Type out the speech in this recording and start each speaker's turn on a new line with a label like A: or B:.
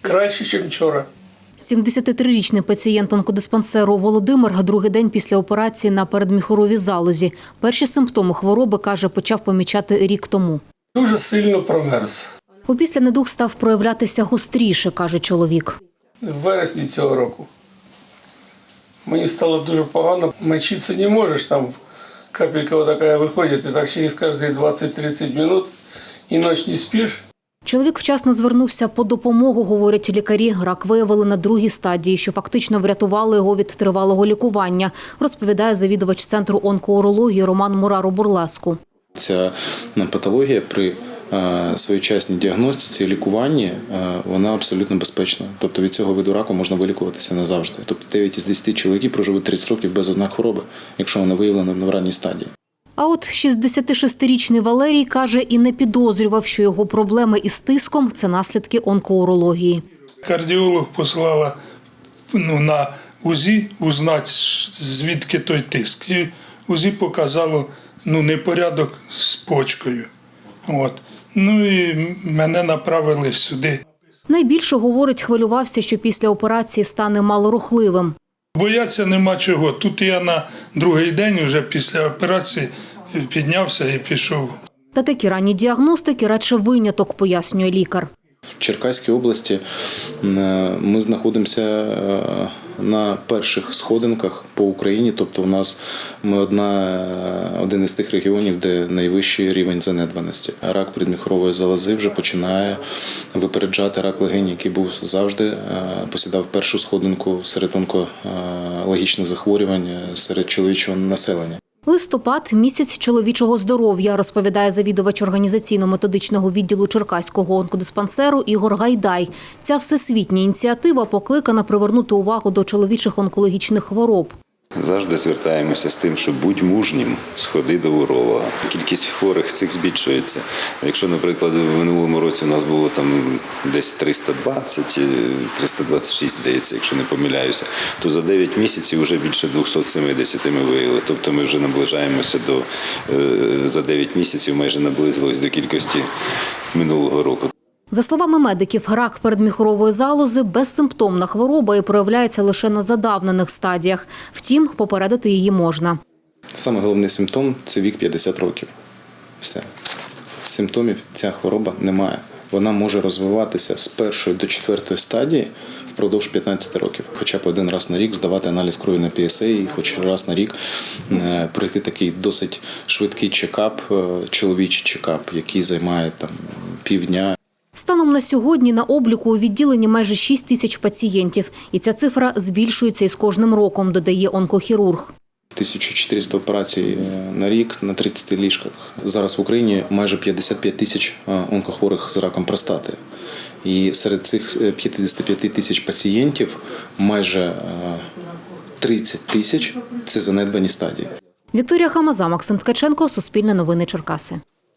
A: Краще, ніж вчора.
B: 73-річний пацієнт онкодиспансеру Володимир другий день після операції на передміхоровій залозі. Перші симптоми хвороби, каже, почав помічати рік тому.
A: Дуже сильно промерз.
B: Опісля недуг став проявлятися гостріше, каже чоловік.
A: В вересні цього року. Мені стало дуже погано. Мочитися не можеш, там капелька така виходить, і так через кожні 20-30 хвилин і ніч не спиш.
B: Чоловік вчасно звернувся по допомогу, говорять лікарі. Рак виявили на другій стадії, що фактично врятувало його від тривалого лікування, розповідає завідувач Центру онкоурології Роман Мураро-Бурлеску.
C: Ця патологія при своєчасній діагностиці і лікуванні, вона абсолютно безпечна. Тобто від цього виду раку можна вилікуватися назавжди. Тобто 9 із 10 чоловіків проживуть 30 років без ознак хвороби, якщо вона виявлена в ранній стадії.
B: А от 66-річний Валерій, каже, і не підозрював, що його проблеми із тиском – це наслідки онкоурології.
D: Кардіолог послала на УЗІ узнати, звідки той тиск. І УЗІ показало непорядок з почкою. І мене направили сюди.
B: Найбільше, говорить, хвилювався, що після операції стане малорухливим.
D: Бояться нема чого. Тут я на другий день вже після операції піднявся і пішов.
B: Та такі ранні діагностики радше виняток, пояснює лікар.
C: В Черкаській області ми знаходимося на перших сходинках по Україні, тобто ми один із тих регіонів, де найвищий рівень занедбаності. Рак передміхорової залози вже починає випереджати рак легень, який був завжди, посідав першу сходинку серед онкологічних захворювань серед чоловічого населення.
B: Листопад – місяць чоловічого здоров'я, розповідає завідувач організаційно-методичного відділу Черкаського онкодиспансеру Ігор Гайдай. Ця всесвітня ініціатива покликана привернути увагу до чоловічих онкологічних хвороб.
E: Завжди звертаємося з тим, що будь мужнім, сходи до уролога. Кількість хворих цих збільшується. Якщо, наприклад, в минулому році у нас було десь 320, 326, здається, якщо не помиляюся, то за 9 місяців вже більше 270 ми виявили. Тобто ми вже наближаємося за 9 місяців майже наблизились до кількості минулого року.
B: За словами медиків, рак передміхорової залози – безсимптомна хвороба і проявляється лише на задавнених стадіях. Втім, попередити її можна.
C: Саме головний симптом – це вік 50 років. Все. Симптомів ця хвороба не має. Вона може розвиватися з 1 до 4 стадії впродовж 15 років. Хоча б один раз на рік здавати аналіз крові на PSA і хоч раз на рік пройти такий досить швидкий чекап, чоловічий чекап, який займає півдня.
B: Станом на сьогодні на обліку у відділенні майже 6 тисяч пацієнтів. І ця цифра збільшується із кожним роком, додає онкохірург.
C: 1400 операцій на рік на 30 ліжках. Зараз в Україні майже 55 тисяч онкохворих з раком простати. І серед цих 55 тисяч пацієнтів майже 30 тисяч – це занедбані стадії.
B: Вікторія Хамаза, Максим Ткаченко, Суспільне новини Черкаси.